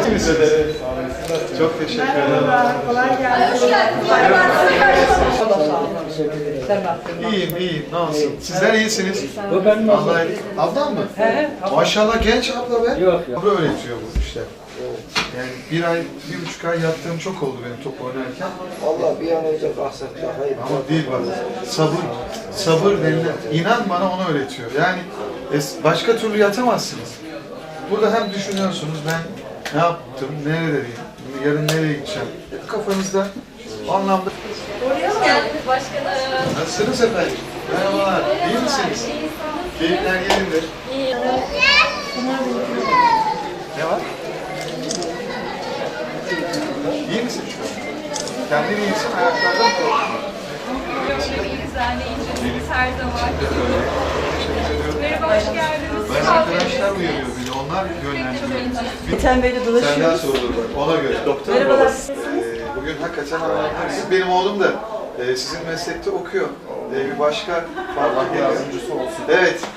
İyi misiniz? Çok teşekkür ederim. Kolay gelsin. İyiyim, iyiyim. Ne olsun? Sizler iyisiniz. Bu benim ablam. Vallahi ablam mı? He, Maşallah genç abla be. Yok, yok. Abla öğretiyor bu işte. Yani 1,5 ay yattığım çok oldu benim top oynarken. Allah bir an önce kalksak daha iyi. Ama değil bak. Sabır denilen. İnan bana onu öğretiyor. Yani başka türlü yatamazsınız. Burada hem düşünüyorsunuz ben ne yaptım, neredeyim, yarın nereye gideceğim. Hep kafanızda o anlamda. Hoş geldiniz başkanım. Nasılsınız efendim? Merhabalar. İyi misiniz? Keyifler yerinde. İyi. Ne var? İyi misin şu an? Kendin iyisin, ayaklardan mı korktun? İyiyiz anneciğim. Her zaman. Teşekkür ediyorum. Merhaba, hoş geldiniz. Ben arkadaşlar uyarıyor beni, onlar yönlendiriyor. Geçen böyle Senden dolaşıyoruz. sorulur bak, ona göre. Doktor Merhabalar. babası. Bugün hakikaten anlattım. Benim oğlum da sizin meslekte okuyor. Bir başka farklı yardımcısı olsun. Evet,